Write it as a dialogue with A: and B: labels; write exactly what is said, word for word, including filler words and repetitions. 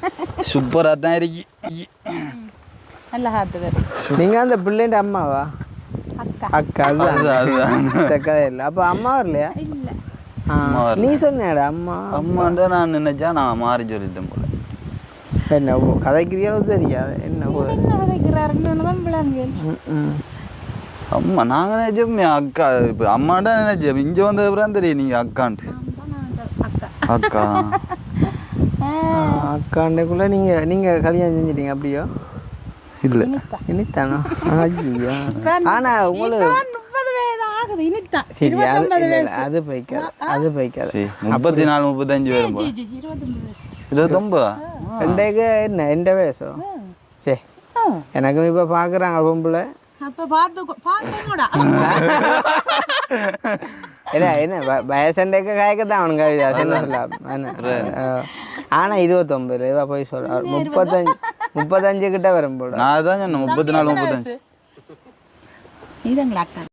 A: சூப்பராக தான் இருக்கு.
B: நல்ல ஹாத்து வேறு.
C: நீங்கள் அந்த பிள்ளைண்ட அம்மாவா?
B: அக்கா
C: அக்கா அதுதான் அதுதான் சக்கதை இல்லை. அப்போ அம்மா வரலையா?
B: இல்லை.
C: நீ சொன்னேடா அம்மா
A: அம்மாண்ட நான் நினைச்சா நான் மாறி சொல்லிட்டேன் போல.
C: என்ன கதைக்கிறியாலும் தெரியாது என்ன போதும்
B: என்ன கதைக்கிறாருன்னு தான் விளங்கு.
A: அம்மா நாங்கள் நினைச்சோம் அக்கா. இப்போ அம்மாண்டா நினைச்சேன். இங்கே வந்த அப்புறம் தெரியும் நீங்கள் அக்கான்ட்டு. அக்கா
C: அக்காண்டக்குள்ளே நீங்கள் நீங்கள் கல்யாணம் செஞ்சிட்டீங்க அப்படியோ?
A: இல்லை
C: இனித்தானோ? ஐயோ ஆனால் உங்களுக்கு
B: முப்பது வயது ஆகுது இனித்தான்.
C: சரி அது அது பைக்காது அது பைக்காது.
A: சரி முப்பத்தி நாலு முப்பத்தஞ்சு வரும் போல.
B: இருபத்தொம்பது வயசு.
A: இருபத்தொம்பதா?
C: ரெண்டேக்கு என்ன எந்த வயசோ? சரி எனக்கும் இப்போ பார்க்குறாங்க பொம்பளை.
B: அப்போ பார்த்து பார்த்துக்கூடா
C: இல்லை என்ன வயசண்டைக்கு காய்க்கத்தான் அவனுங்க என்ன. ஆனால் இருபத்தொம்பது இவா போய் சொல்ல முப்பத்தஞ்சு முப்பத்தஞ்சு கிட்ட வரும் போல.
A: நான் தான் சொன்னேன் முப்பத்தி நாலு முப்பத்தஞ்சு.
B: இதுங்களா அக்கா?